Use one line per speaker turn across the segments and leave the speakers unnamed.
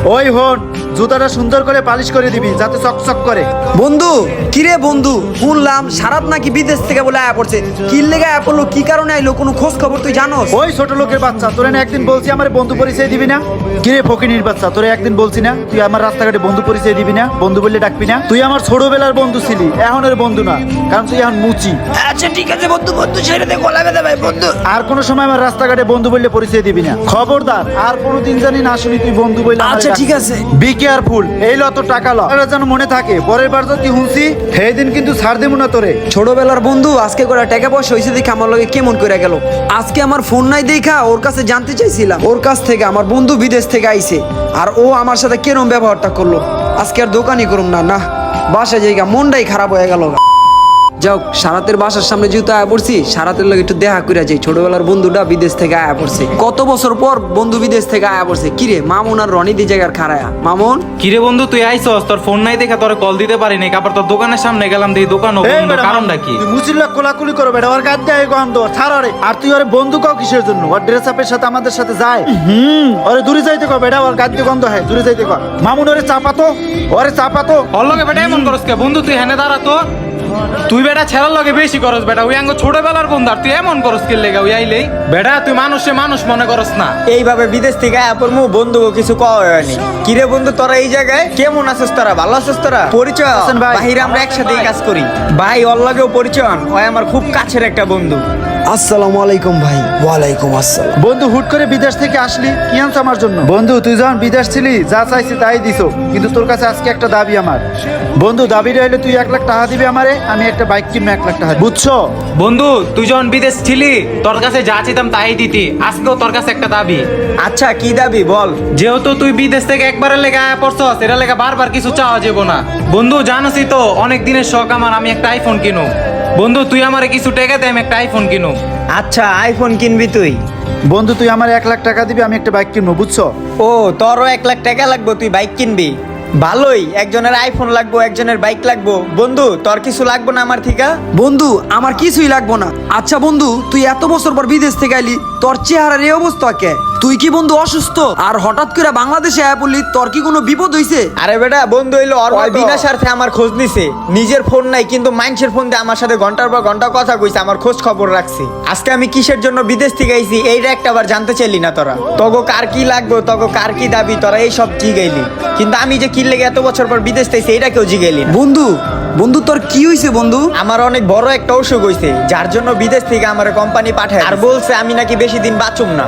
ওই হন, জুতাটা সুন্দর করে পালিশ করে দিবি যাতে চকচক করে।
বন্ধু কিরে বন্ধু, শুনলাম সারাত নাকি বিদেশ থেকে বলে আয়া পড়ছে। কি লেগে আয়া পড়লো, কি কারণে আইলো, কোনো খোঁজ খবর তুই জানোস?
ওই ছোট লোকের বাচ্চা, তোরে না একদিন বলছি আমার বন্ধু পরিচয় দিবি না? কিরে ফকিনির বাচ্চা, তোরে একদিন বলছি না তুই আমার রাস্তাঘাটে বন্ধু পরিচয় দিবি না, বন্ধু বললে ডাকবি না? তুই আমার ছোটবেলার বন্ধু ছিলি, এখনের বন্ধু না, কারণ তুই এখন মুচি।
আচ্ছা ঠিক আছে বন্ধু, বন্ধু ছেড়ে দে, গলা বেঁধে ভাই বন্ধু।
আর কোনো সময় আমার রাস্তাঘাটে বন্ধু বললে পরিচয় দিবি না, খবরদার। আর কোনোদিন জানি না শুনি তুই বন্ধু বললে।
আচ্ছা ঠিক আছে।
বি কেয়ারফুল, এই লত টাকা ল, এটা যেন মনে থাকে। পরের বার যদি হুঁসি সেই দিন কিন্তু ছাড় দেবো না তোরে।
ছোটবেলার বন্ধু আজকে করে টাকা পয়সা হয়েছে দেখে আমার লগে কেমন করে গেল। আজকে আমার ফোন নাই দেখা ওর কাছে জানতে চাইছিলাম, ওর কাছ থেকে আমার বন্ধু বিদেশ থেকে আইছে, আর ও আমার সাথে কেরম ব্যবহারটা করলো। আজকে আর দোকানই করুম না, না বাসায় জায়গা, মনটাই খারাপ হয়ে গেল। যাও, সারাতের বাসার সামনে যেহেতু আয়া পড়ছি, সারাতের লগে একটু দেখা করে যাই। ছোটবেলার বন্ধুটা বিদেশ থেকে আয়া পড়ছে, কত বছর পর বন্ধু বিদেশ থেকে আয়া পড়ছে। কিরে মামুন আর রনি দি জায়গার খারায়া। মামুন
কিরে বন্ধু, তুই আইছস? তোর ফোন নাই দেখা তোর কল দিতে পারি নাই। আবার তোর দোকানের সামনে গেলাম, দেখি দোকান বন্ধ। কারণটা কি?
তুই মুচিল্লা কোলাকুলি করো বেটা, ওর গাদ দেয় গন্ধ ছাড় রে। আর তুই ওর বন্ধু কাও কিসের জন্য? ওর ড্রেস আপের সাথে আমাদের সাথে যায়। ওরে দূরে যাইতে কর বেটা, ওর গাদ দিয়ে গন্ধ হয়, দূরে যাইতে কর। মামুন ওরে চাপাতো, ওরে চাপাতো।
ওর লগে বেটা এমন করস কে? বন্ধু তুই হেনে দাঁড়া তো। তুই বেটা ছেড়ার লগে বেশি করস বেটা, ওই আঙ্গ ছোটবেলার বন্ধু, আর তুই এমন করস কি লেগে? ওই আইলেই বেটা তুই মানুষে মানুষ মনে করস না।
এইভাবে বিদেশ থেকে আয়া পড়মু, বন্ধু কিছু কওয়া হয়নি। কিরে বন্ধু তোরা এই জায়গায় কেমন আছিস? তোরা ভালো আছিস? তোরা পরিচয়
আছেন ভাই?
বাহিরে আমরা একসাথে কাজ করি ভাই, ওর লাগেও পরিচয় হন। ওই আমার খুব কাছের একটা বন্ধু।
আসসালামু আলাইকুম ভাই। ওয়ালাইকুম আসসালাম।
বন্ধু হুট করে বিদেশ থেকে আসলি, কি আনছ আমার জন্য? বন্ধু তুই যখন বিদেশ ছিলি যা চাইছি তাই দিছো, কিন্তু তোর কাছে আজকে একটা দাবি আমার। বন্ধু দাবিটা হইলে তুই 1 লাখ টাকা দিবি আমারে, আমি একটা বাইক কিনবো 1 লাখ টাকা, বুঝছো?
বন্ধু তুই যখন বিদেশ ছিলি তোর কাছে যা চাইতাম তাই দিতি, আজকেও তোর কাছে একটা দাবি।
আচ্ছা কি দাবি বল?
যেহেতু তুই বিদেশ থেকে একবারের লেগে আয়া পড়ছস, এটা লেগে বারবার কিছু চাওয়া যাবো না। বন্ধু জানোসই তো অনেক দিনের শখ আমার, আমি একটা আইফোন কিনু। বন্ধু তুই আমারে কিছু টাকা দে, আমি একটা আইফোন কিনু।
আচ্ছা আইফোন কিনবি তুই?
বন্ধু তুই আমার 1 লাখ টাকা দিবি, আমি একটা বাইক কিনবো, বুঝছো?
ও তোরও 1 লাখ টাকা লাগবে, তুই বাইক কিনবি? ভালোই, একজনের আইফোন লাগবো, একজনের বাইক লাগবো। বন্ধু তোর কিছু লাগবো না আমার থেকে?
বন্ধু আমার কিছুই লাগবো না। আচ্ছা বন্ধু, তুই এত বছর পর বিদেশ থেকে আইলি, তোর চেহারার এই অবস্থা কে? তুই কি বন্ধু অসুস্থ? আর হঠাৎ করে বাংলাদেশে আয়া পড়লি, তোর কি কোনো বিপদ হইছে?
আরে বেটা বন্ধু হইলো বিনা স্বার্থে আমার খোঁজ নিছে। নিজের ফোন নাই কিন্তু মানুষের ফোন দিয়ে আমার সাথে ঘন্টার পর ঘন্টা কথা কইছে, আমার খোঁজ খবর রাখছি। আজকে আমি কিসের জন্য বিদেশ থেকে আইছি এইটা একটা বার জানতে চাইলি না তোরা? তগো কার কি লাগবে, তগো কার কি দাবি, তোরা এই সব জিগাইলি। কিন্তু আমি যে কি লেগে এত বছর পর বিদেশ থেকে এইটা কেউ জিগাইলি না।
বন্ধু বন্ধু তোর কি হইছে বন্ধু?
আমার অনেক বড় একটা অসুখ হইছে, যার জন্য বিদেশ থেকে আমার কোম্পানি পাঠায়, আর বলছে আমি নাকি বেশি দিন বাঁচুম না।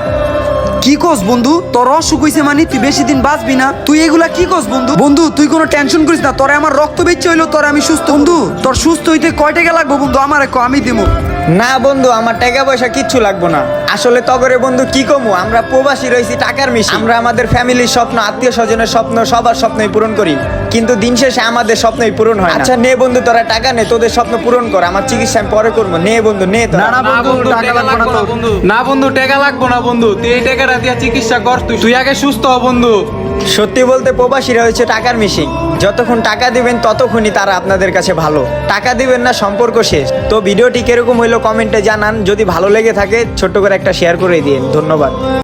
কি কস বন্ধু? তোর অসুখ হইছে মানে তুই বেশি দিন বাঁচবি না? তুই এগুলা কি কস বন্ধু? বন্ধু তুই কোনো টেনশন করিস না, তোরে আমার রক্ত বেচে হইলো, তোরে আমি সুস্থ। বন্ধু তোর সুস্থ হইতে কয় টাকা লাগবে বন্ধু? আমারে কো, আমি দিমু।
না বন্ধু আমার টাকা পয়সা কিচ্ছু লাগবো না। আসলে তগরে বন্ধু কি কমু, আমরা প্রবাসী রয়েছি টাকার মিশি। আমরা আমাদের ফ্যামিলির স্বপ্ন, আত্মীয় স্বজনের স্বপ্ন, সবার স্বপ্নই পূরণ করি, কিন্তু দিন শেষে আমাদের স্বপ্নই পূরণ হয় না। আচ্ছা নে বন্ধু তোরা টাকা নে, তোদের স্বপ্ন পূরণ কর, আমার চিকিৎসা আমি পরে করবো। নে বন্ধু নে তোরা।
না
না বন্ধু
টাকা
টাকা
লাগবে না
লাগবো না
তোর।
বন্ধু। না বন্ধু টাকা লাগবো না বন্ধু, তুই এই টাকাটা দিয়া চিকিৎসা কর। তুই আগে সুস্থ হ বন্ধু।
সত্যি বলতে প্রবাসীরা হচ্ছে টাকার মিশিং। যতক্ষণ টাকা দিবেন ততক্ষণই তারা আপনাদের কাছে ভালো, টাকা দিবেন না সম্পর্ক শেষ। তো ভিডিওটি কিরকম হইলো কমেন্টে জানান, যদি ভালো লেগে থাকে ছোট্ট করে একটা শেয়ার করে দিন। ধন্যবাদ।